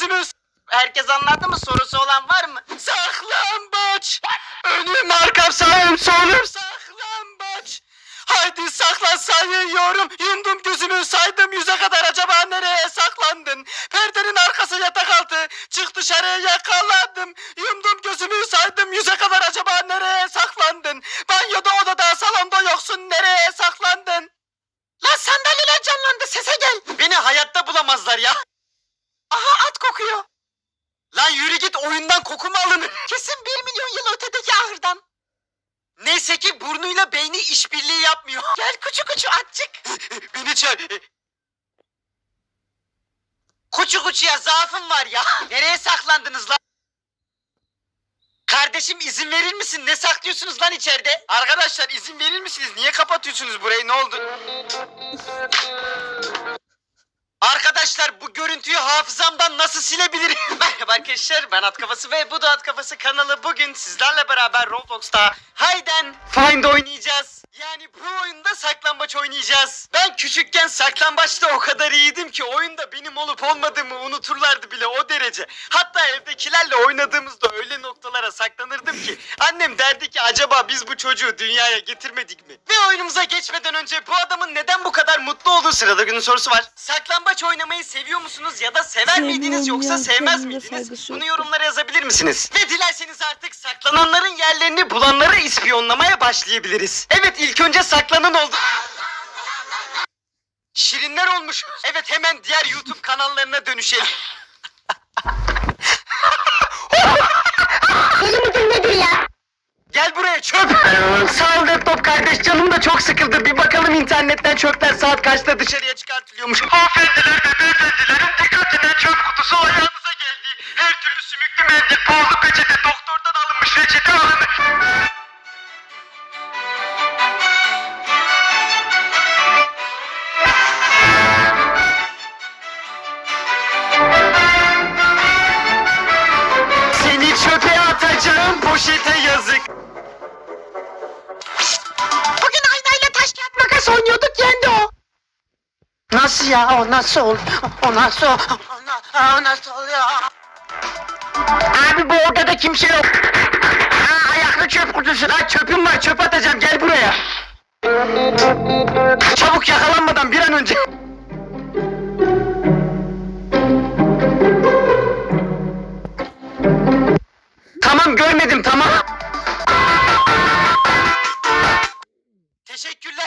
gözümüz. Herkes anladı mı? Sorusu olan var mı? Saklambaç. Önüm arkam sağım solum saklambaç. Haydi saklan sayıyorum. Yumdum gözümü saydım 100'e kadar, acaba nereye saklandın? Perdenin arkası yatak altı. Çık dışarıya yakaladım. Yumdum gözümü saydım 100'e kadar, acaba nereye saklandın? Banyoda, odada, salonda yoksun, nereye saklandın? Lan sandalyeler canlandı, sese gel. Beni hayatta bulamazlar ya. Aha, at kokuyor. Lan yürü git, oyundan koku mu alınır? Kesin 1 milyon yıl ötedeki ahırdan. Neyse ki burnuyla beyni işbirliği yapmıyor. Gel kuçu kuçu atçık. Beni çağır. Kuçu kuçuya zaafım var ya. Nereye saklandınız lan? Kardeşim izin verir misin? Ne saklıyorsunuz lan içeride? Arkadaşlar izin verir misiniz? Niye kapatıyorsunuz burayı? Ne oldu? Arkadaşlar bu görüntüyü hafızamdan nasıl silebilirim? Merhaba arkadaşlar, ben At Kafası ve bu da At Kafası kanalı. Bugün sizlerle beraber Roblox'ta Hide and Find oynayacağız. Yani bu oyunda saklambaç oynayacağız. Ben küçükken saklambaçta o kadar iyiydim ki oyunda benim olup olmadığımı unuturlardı bile, o derece. Hatta evdekilerle oynadığımızda öyle noktalara saklanırdım ki annem derdi ki acaba biz bu çocuğu dünyaya getirmedik mi? Ve oyunumuza geçmeden önce bu adamın neden bu kadar mutlu olduğu sırada günün sorusu var. Saklambaç oynamayı seviyor musunuz ya da sever miydiniz yoksa sevmez miydiniz? Bunu yorumlara yazabilir misiniz? Ve dilerseniz artık saklananların yerlerini bulanları ispiyonlamaya başlayabiliriz. Evet, ilk önce saklanan oldu. Şirinler olmuş. Evet, hemen diğer YouTube kanallarına dönüşelim. Deli misin nedir ya? Gel buraya çöp. Sağ ol laptop kardeş, canım da çok sıkıldı. Bir bakalım internetten çöpler saat kaçta dışarıya çıkartılıyormuş. Hanımefendiler ve beyefendilerin dikkatine, çöp kutusu ayağınıza geldi. Her türlü sümüklü mendil, pahalı peçete, doktordan alınmış reçete alınır. Seni çöpe atacağım, poşete yazık. Bugün aynayla taş kağıt makas oynuyorduk, yendi o. Nasıl ya? O nasıl ol? O nasıl ol? O nasıl oluyor? Abi bu odada kimse yok. Ha, ayaklı çöp kutusu. Lan çöpüm var, çöp atacağım, gel buraya. Çabuk, yakalanmadan bir an önce. Tamam, görmedim, tamam. Teşekkürler.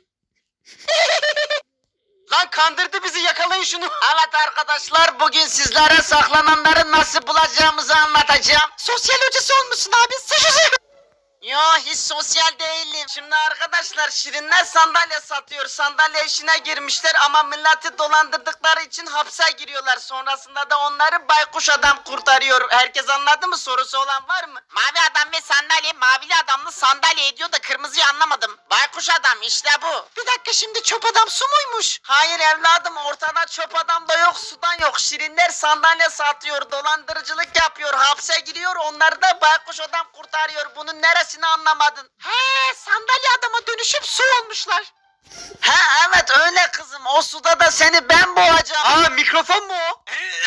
Lan kandırdı bizi, yakalayın şunu. Evet arkadaşlar, bugün sizlere saklananları nasıl bulacağımızı anlatacağım. Sosyal hocası olmuşsun abi. Yo, hiç sosyal değilim. Şimdi arkadaşlar, şirinler sandalye satıyor. Sandalye işine girmişler ama milleti dolandırdıkları için hapse giriyorlar. Sonrasında da onları baykuş adam kurtarıyor. Herkes anladı mı? Sorusu olan var mı? Mavi adam ve sandalye, mavili adamlı sandalye ediyor da kırmızıyı anlamadım. Baykuş adam işte bu. Bir dakika, şimdi çöp adam su muymuş? Hayır evladım, ortada çöp adam da yok, sudan yok. Şirinler sandalye satıyor, dolandırıcılık yapıyor, hapse giriyor. Onları da baykuş adam kurtarıyor. Bunun neresini anlamadın? He, sandalye adama dönüşüp su olmuşlar. Ha evet öyle kızım, o suda da seni ben boğacağım. Aa, mikrofon mu o?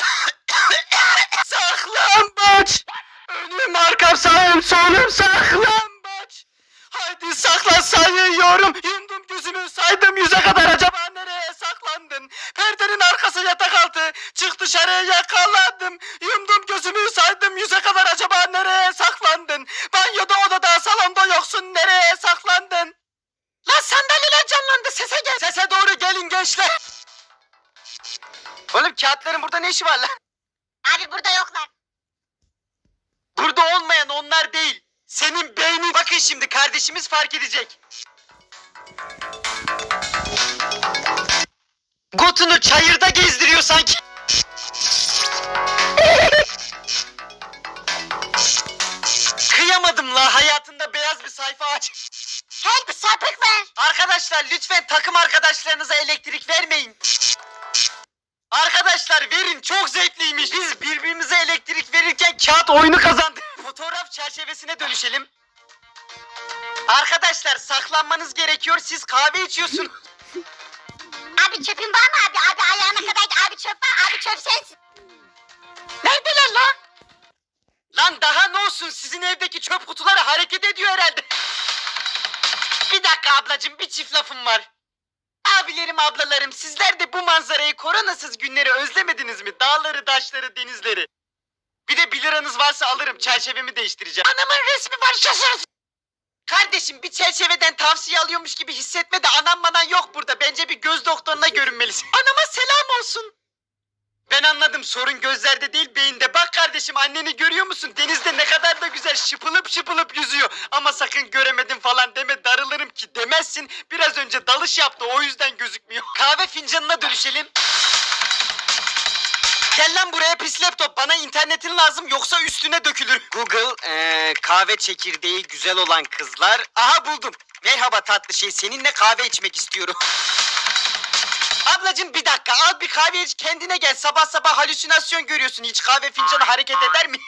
Saklambaç. Önüm arkam sağım solum saklambaç. Haydi saklan sayıyorum. Yumdum gözümü saydım 100'e kadar, acaba nereye saklandın? Perdenin arkası yatak altı. Çık dışarıya yakaladım. Yumdum gözümü saydım 100'e kadar, acaba nereye saklandın? Banyoda, odada, salonda yoksun, nereye saklandın? Lan sandalyeler canlandı, sese gel. Sese doğru gelin gençler. Oğlum kağıtların burada ne işi var lan? Abi burada yoklar. Burada olmayan onlar değil. Senin beynin. Bakın şimdi kardeşimiz fark edecek. Gotunu çayırda gezdiriyor sanki. Kıyamadım la, hayatında beyaz bir sayfa aç. Help, sapık ver. Arkadaşlar lütfen takım arkadaşlarınıza elektrik vermeyin. Arkadaşlar verin, çok zevkliymiş. Biz birbirimize elektrik verirken kağıt oyunu kazandık. Fotoğraf çerçevesine dönüşelim. Arkadaşlar saklanmanız gerekiyor, siz kahve içiyorsunuz. Abi çöpün var mı abi? Abi ayağına kadar abi çöp var. Abi çöp sensin. Neredeler lan? Lan daha ne olsun, sizin evdeki çöp kutuları hareket ediyor herhalde. Bir dakika ablacığım, bir çift lafım var. Abilerim, ablalarım, sizler de bu manzarayı, koronasız günleri özlemediniz mi? Dağları, taşları, denizleri. Bir de 1 liranız varsa alırım, çerçevemi değiştireceğim. Anamın resmi var şaşırın. Kardeşim, bir çerçeveden tavsiye alıyormuş gibi hissetme de anam manan yok burada. Bence bir göz doktoruna görünmelisin. Anama selam olsun. Ben anladım, sorun gözlerde değil beyinde. Bak kardeşim, anneni görüyor musun? Denizde ne kadar da güzel şıpılıp şıpılıp yüzüyor. Ama sakın göremedim falan deme, darılırım ki. Demezsin, biraz önce dalış yaptı, o yüzden gözükmüyor. Kahve fincanına dönüşelim. Gel lan buraya pis laptop, bana internetin lazım yoksa üstüne dökülür. Google, kahve çekirdeği güzel olan kızlar. Aha buldum. Merhaba tatlı şey, seninle kahve içmek istiyorum. Ablacığım bir dakika, al bir kahve iç, kendine gel. Sabah sabah halüsinasyon görüyorsun, hiç kahve fincanı hareket eder mi?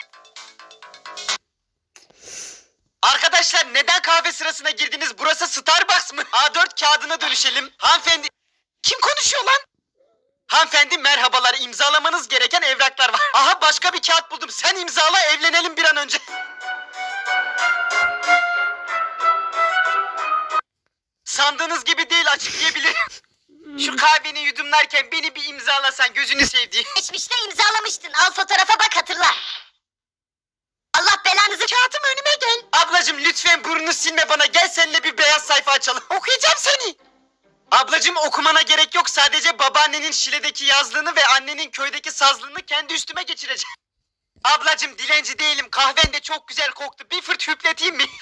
Arkadaşlar, neden kahve sırasına girdiniz? Burası Starbucks mı? A4 kağıdına dönüşelim. Hanımefendi... Kim konuşuyor lan? Hanımefendi merhabalar, imzalamanız gereken evraklar var. Aha başka bir kağıt buldum, sen imzala, evlenelim bir an önce. Sandığınız gibi değil, açıklayabilirim. Şu kahveni yudumlarken beni bir imzalasan, gözünü sevdiğim. Geçmişte imzalamıştın. Al fotoğrafa bak, hatırla. Allah belanızı... Kağıtım önüme gel. Ablacığım lütfen burnunu silme bana, gel seninle bir beyaz sayfa açalım. Okuyacağım seni. Ablacığım okumana gerek yok, sadece babaannenin Şile'deki yazlığını ve annenin köydeki sazlığını kendi üstüme geçireceğim. Ablacığım dilenci değilim, kahven de çok güzel koktu, bir fırt hüpleteyim mi?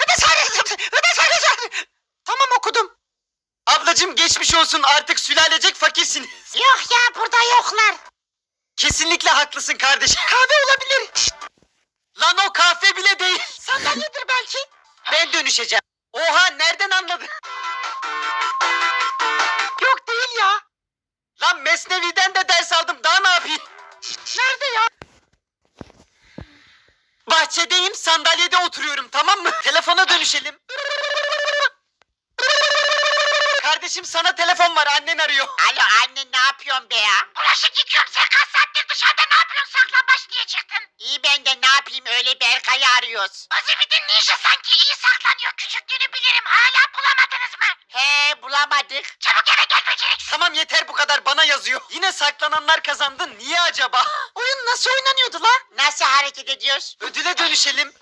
Tamam okudum. Ablacığım geçmiş olsun, artık sülalecek fakirsiniz. Yok ya, burada yoklar. Kesinlikle haklısın kardeşim. Kahve olabilir. Lan o kahve bile değil. Sandalyedir belki. Ben dönüşeceğim. Oha, nereden anladın? Yok değil ya. Lan Mesnevi'den de ders aldım, daha ne yapayım? Nerede ya? Bahçedeyim, sandalyede oturuyorum, tamam mı? Telefona dönüşelim. Kardeşim sana telefon var, annen arıyor. Alo anne, ne yapıyorsun be ya? Bulaşık yıkıyorum, sen kaç saattir dışarıda ne yapıyorsun, saklambaç diye çıktın. İyi, ben de ne yapayım, öyle Berkay'ı arıyoruz. Azimidin ninja sanki iyi saklanıyor, küçüklüğünü bilirim, hala bulamadınız mı? He, bulamadık. Çabuk eve gel beceriksiz. Tamam yeter bu kadar, bana yazıyor. Yine saklananlar kazandı, niye acaba? Oyun nasıl oynanıyordu la? Nasıl hareket ediyoruz? Ödüle dönüşelim.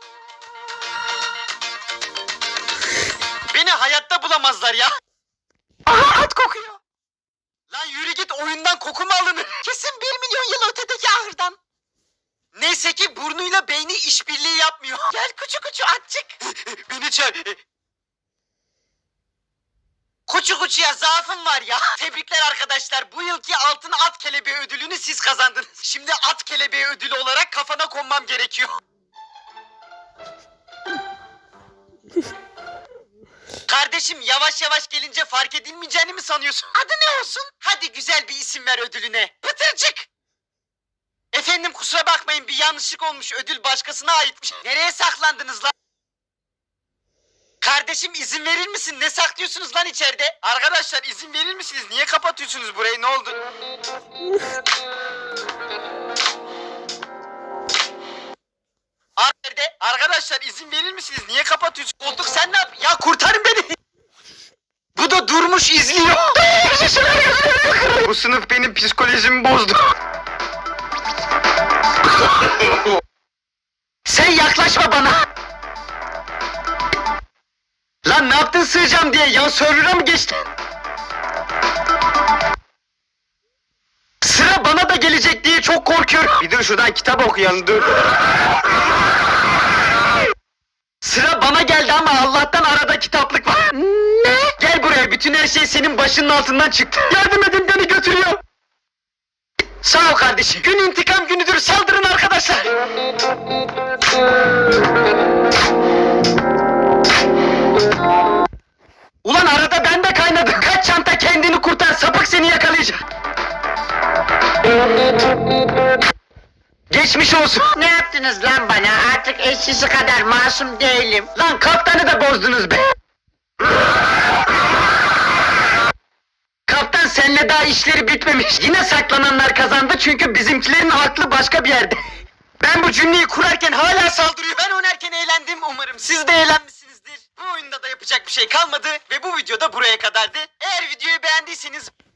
Beni hayatta bulamazlar ya. Aha, at kokuyor. Lan yürü git, oyundan koku mu alınır? Kesin 1 milyon yıl ötedeki ahırdan. Neyse ki burnuyla beyni işbirliği yapmıyor. Gel küçük küçük atçık. Beni çağır. Kuçu kuçuya zaafım var ya. Tebrikler arkadaşlar. Bu yılki altın at kelebeği ödülünü siz kazandınız. Şimdi at kelebeği ödülü olarak kafana konmam gerekiyor. Kardeşim yavaş yavaş gelince fark edilmeyeceğini mi sanıyorsun? Adı ne olsun? Hadi güzel bir isim ver ödülüne. Pıtırcık. Efendim kusura bakmayın, bir yanlışlık olmuş. Ödül başkasına aitmiş. Nereye saklandınız lan? Kardeşim izin verir misin? Ne saklıyorsunuz lan içeride? Arkadaşlar izin verir misiniz? Niye kapatıyorsunuz burayı? Ne oldu? Nerede? Arkadaşlar izin verir misiniz? Niye kapatıyorsunuz? Koltuk sen ne yap? Ya kurtarın beni. Bu da durmuş izliyor. Bu sınıf benim psikolojimi bozdu. Sen yaklaşma bana. Lan ne yaptın sığacağım diye, yan server'a mı geçtin? Sıra bana da gelecek diye çok korkuyorum. Bir dur şuradan kitap okuyalım, dur. Sıra bana geldi ama Allah'tan arada kitaplık var. Ne? Gel buraya, bütün her şey senin başının altından çıktı. Yardım edin, beni götürüyor. Sağ ol kardeşim. Gün intikam günüdür, saldırın arkadaşlar. Ulan arada ben de kaynadım. Kaç çanta, kendini kurtar, sapık seni yakalayacak. Geçmiş olsun. Ne yaptınız lan bana? Artık eşsizi kadar masum değilim. Lan kaptanı da bozdunuz be. Kaptan senle daha işleri bitmemiş. Yine saklananlar kazandı çünkü bizimkilerin aklı başka bir yerde. Ben bu cümleyi kurarken hala saldırıyor. Ben oynarken eğlendim. Umarım siz de eğlenmişsinizdir. Bu oyunda da yapacak bir şey kalmadı ve bu videoda buraya kadardı. Eğer videoyu beğendiyseniz